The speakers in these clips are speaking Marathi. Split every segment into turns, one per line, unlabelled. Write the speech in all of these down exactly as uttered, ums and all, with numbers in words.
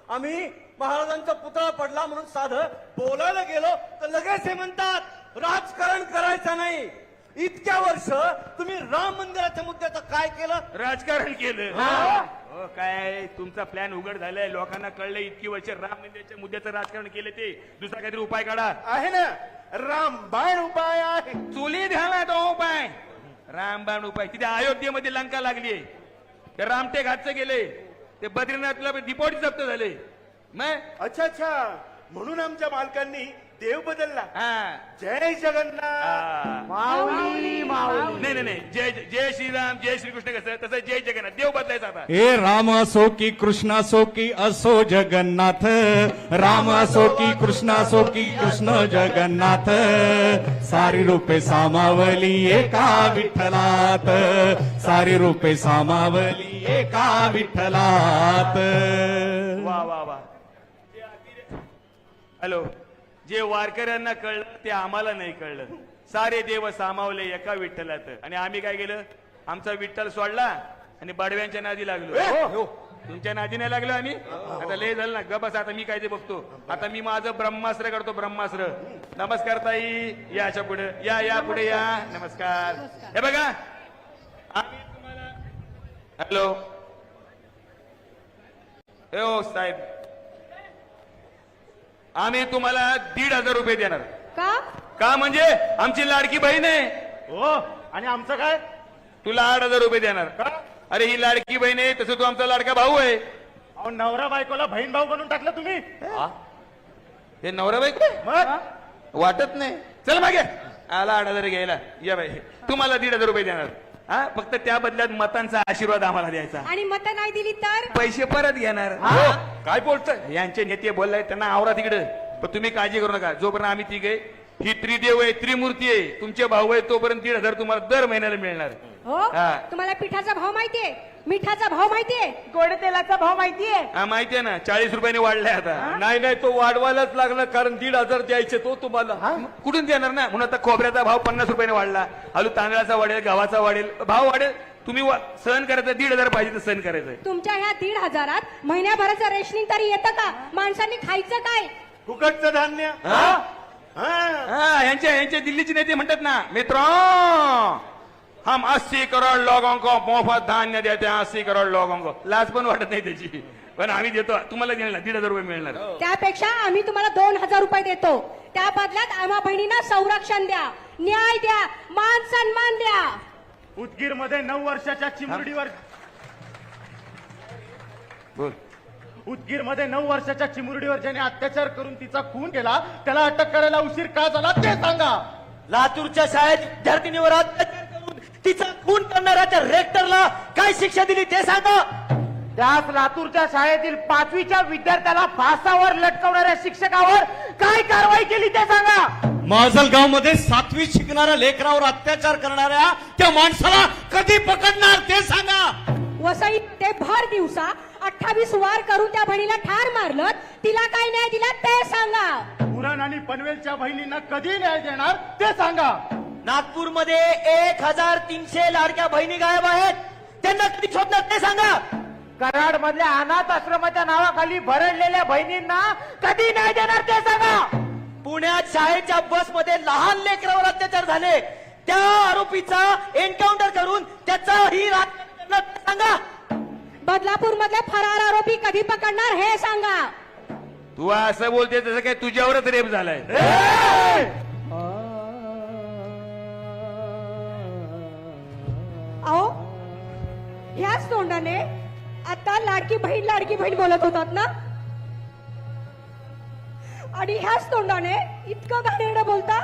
आम्ही महाराजांचा पुतळा पडला म्हणून साधं बोलायला गेलो तर लगेच हे म्हणतात राजकारण करायचं नाही. इतक्या वर्ष तुम्ही राम मंदिराच्या मुद्द्याचं काय केलं?
राजकारण केलं. हो काय तुमचा प्लॅन उघड झालाय, लोकांना कळलं. इतकी वर्ष राम मंदिराच्या मुद्द्याचं राजकारण केलं, ते दुसरा काहीतरी उपाय काढा.
आहे ना रामबाण उपाय आहे.
चुलीत घाला तो उपाय, रामबाण उपाय. तिथे अयोध्येमध्ये लंका लागली, ते रामटेक हातचं गेले, ते बद्रीनाथला डिपोटी जप्त झाले. मग
अच्छा अच्छा, म्हणून आमच्या मालकांनी देव बदलला.
हा
जय जगन्नाथ.
हा.
माऊली माऊली.
नाही नाही नाही, जय जय श्रीराम जय श्रीकृष्ण कसं, तसं जय जगन्नाथ. देव बदलायचा आता.
हे राम असो की कृष्ण असो की असो जगन्नाथ, राम असो की कृष्ण असो की कृष्ण जगन्नाथ, सारी रूपे सामावली एका विठ्ठलात, सारी रूपे सामावली एका विठ्ठलात.
वा वा वा. हॅलो, जे वारकऱ्यांना कळलं ते आम्हाला नाही कळलं. सारे देव सामावले एका विठ्ठलात, आणि आम्ही काय केलं? आमचा विठ्ठल सोडला आणि बडव्यांच्या नादी लागलो. तुमच्या नादी नाही लागलो आम्ही. आता लय झालं ना, गबस. आता मी काय ते बघतो. आता मी माझं ब्रह्मास्त्र करतो, ब्रह्मास्त्र. नमस्कार ताई, या अशा पुढे या, या पुढे या. नमस्कार. हे बघा, आम्ही तुम्हाला हॅलो हो साहेब, आम्ही तुम्हाला दीड हजार रुपये देणार.
का?
का म्हणजे आमची लाडकी बहीण आहे.
हो, आणि आमचं काय?
तुला आठ हजार रुपये देणार.
का?
अरे ही लाडकी बहीण आहे, तसं तू आमचा लाडका भाऊ आहे.
अहो, नवरा बायकोला बहीण भाऊ बनवून टाकलं तुम्ही.
हे नवरा बायको आहे?
मग
वाटत नाही. चल मागे, आला आठ हजार घ्यायला. या बाई, तुम्हाला दीड हजार रुपये देणार. हा, फक्त त्या बदल्यात मतांचा आशीर्वाद आम्हाला द्यायचा.
आणि मत नाही दिली तर
पैसे परत घेणार.
हो.
काय बोलतोय? यांचे नेते बोललाय, त्यांना आवरा तिकडे. पण तुम्ही काळजी करू नका. जोपर्यंत आम्ही तिघे, ही त्रिदेव आहे, त्रिमूर्ती आहे, तुमचे भाऊ आहे, तोपर्यंत दीड हजार तुम्हाला दर महिन्याला मिळणार.
हो.
हा.
तुम्हाला पिठाचा भाव माहितीये, मिठाचा भाव माहितीये,
गोड तेलाचा भाव माहितीये?
हा माहितीये ना, चाळीस रुपयाने वाढलाय आता.
नाही नाही, तो वाढवायलाच लागला, कारण दीड हजार द्यायचे तो तुम्हाला.
कुठून देणार ना? म्हणून आता खोबऱ्याचा भाव पन्नास रुपयाने वाढला, आलू तांदळाचा वाढेल, गव्हाचा वाढेल, भाव वाढेल. तुम्ही वा- सहन करायचं, दीड हजार पाहिजे तर सहन करायचंय.
तुमच्या ह्या दीड हजारात महिन्याभराचं रेशनिंग तरी येतं का? माणसांनी खायचं काय?
फुकटचं धान्य.
हा?
हा.
हा, यांच्या यांच्या दिल्लीचे नेते म्हणतात ना, मित्र हम अस्सी करोड लोगों को मोफत धान्य देते हैं, अस्सी करोड लोगों को. लाज पण वाटत नाही त्याची, पण आम्ही देतो. तुम्हाला देणार दीड हजार रुपये मिळणार.
त्यापेक्षा आम्ही तुम्हाला दोन हजार रुपये देतो. त्या बदल्यात आम्हा बहिणींना संरक्षण द्या, न्याय द्या, मान सन्मान द्या.
उदगीर मध्ये नऊ वर्षाच्या चिमुरडीवर
बोल.
उदगीर मध्ये नऊ वर्षाच्या चिमुरडीवर ज्याने अत्याचार करून तिचा खून केला, त्याला अटक करायला उशीर का झाला ते सांगा.
लातूरच्या शाळेत विद्यार्थिनीवर अत्याचार करून तिचा खून करणाऱ्या त्या रेक्टरला काय शिक्षा दिली ते सांगा.
त्याच लातूरच्या शाळेतील पाचवीच्या विद्यार्थ्याला फासावर लटकवणाऱ्या शिक्षकावर काय कारवाई केली ते सांगा.
माजलगाव मध्ये सातवी शिकणाऱ्या लेकरावर अत्याचार करणाऱ्या त्या माणसाला कधी पकडणार ते सांगा.
वसई ते भर दिवसा अठ्ठावीस वार करून त्या बहिणीला ठार मारलं, तिला काय न्याय दिला ते सांगा.
उरण आणि पनवेलच्या बहिणींना कधी न्याय देणार ते सांगा.
नागपूरमध्ये एक हजार तीनशे लाडक्या बहिणी गायब आहेत, त्यांना कधी शोधणार ते सांगा.
कराड मधल्या अनाथ आश्रमाच्या नावाखाली भरडलेल्या बहिणींना कधी न्याय देणार ते सांगा.
पुण्यात शाळेच्या बसमध्ये लहान लेकरावर अत्याचार झाले, त्या आरोपीचा एन्काउंटर करून त्याचाही राजकारण करणार ते सांगा.
बदलापूर मधले फरार आरोपी कधी पकडणार हे सांगा.
तू असं बोलते तसं काय तुझ्यावरच रेप झालाय.
अहो, ह्याच तोंडाने आता लाडकी बहीण लाडकी बहीण बोलत होतात ना, आणि ह्याच तोंडाने इतकं घाणेरडं बोलता.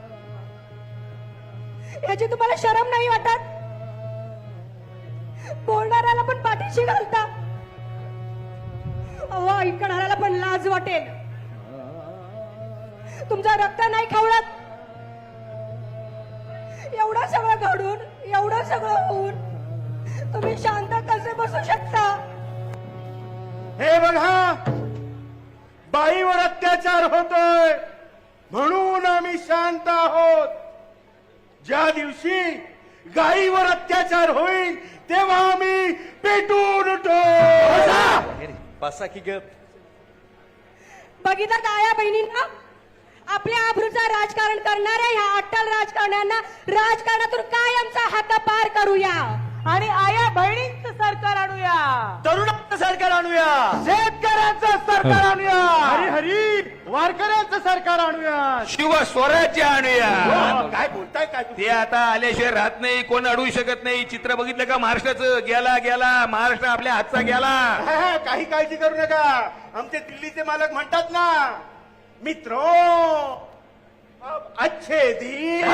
याची तुम्हाला शरम नाही वाटत? बोलणाऱ्याला पण पाठीशी घालता. अहो, ऐकणाऱ्याला पण लाज वाटेल. तुमचं रक्त नाही खवळत. एवढं सगळं घडून, एवढं सगळं होऊन तुम्ही शांत कसे बसू शकता?
हे बघा, बाईवर अत्याचार होतोय म्हणून आम्ही शांत आहोत. ज्या दिवशी गायीवर अत्याचार होईल तेव्हा आम्ही पेटून उठो.
बसा की ग.
बघितलं आया बहिणींना, आपल्या आबरूचं राजकारण करणाऱ्या ह्या अट्टल राजकारण्यांना राजकारणातून कायमचा हद्दपार करूया
आणि आया बहिणींचं सरकार आणूया,
तरुणांचं सरकार आणूया,
शेतकऱ्यांचं सरकार आणूया,
हरी हरी वारकऱ्यांचं सरकार आणूया.
शिव स्वराज्य आणूया.
काय बोलताय काय तुम्ही?
ते आता आल्याशिवाय राहत नाही, कोण अडवू शकत नाही. चित्र बघितलं का महाराष्ट्राचं? गेला गेला महाराष्ट्र आपल्या हातचा गेला.
हा, हा, काही काळजी करू नका. आमचे दिल्लीचे मालक म्हणतात ना, मित्रो अब अच्छे दिन.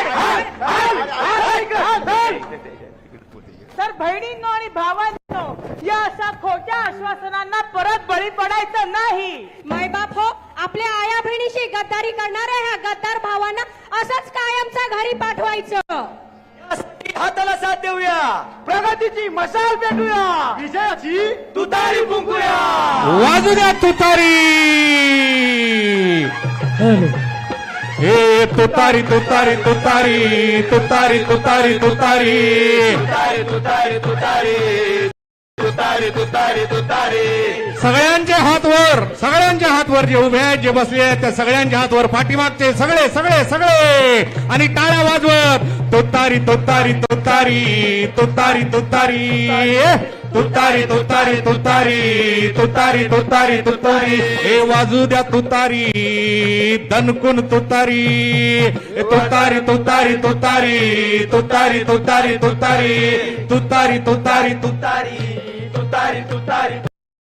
तर बहिणींनो आणि भावांनो, या अशा खोट्या आश्वासनांना परत बळी पडायचं नाही.
मायबाप हो, आपल्या आया बहिणीशी गद्दारी करणाऱ्या ह्या गद्दार भावांना असंच कायमचा घरी पाठवायचं.
यासाठी हाताला साथ देऊया,
प्रगतीची मशाल पेटूया,
विजयाची
तुतारी फुंकूया.
वाजू द्या तुतारी. हे तुतारी तुतारी तुतारी तुतारी तुतारी तुतारी
तुतारी तुतारी तुतारी तुतारी तुतारी तुतारी.
सगळ्यांच्या हातवर, सगळ्यांच्या हातवर, जे उभे आहेत जे बसले आहेत त्या सगळ्यांच्या हातवर, पाठीमागचे सगळे सगळे सगळे, आणि टाळ्या वाजवत तुतारी तुतारी तुतारी तुतारी तुतारी तुतारी तुतारी तुतारी तुतारी तुतारी तुतारी. हे वाजू द्या तुतारी, दणकून तुतारी, तुतारी तुतारी तुतारी तुतारी तुतारी तुतारी तुतारी तुतारी तुतारी तुतारी तुतारी.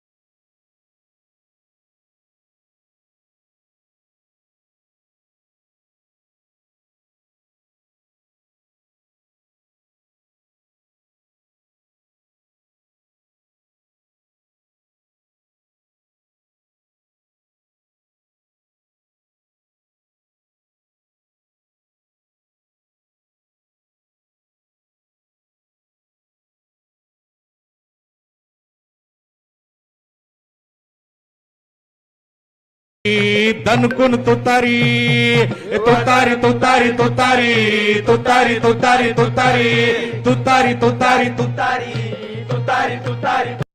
दणकून तुतारी, तुतारी तुतारी तुतारी तुतारी तुतारी तुतारी तुतारी तुतारी तुतारी तुतारी तुतारी.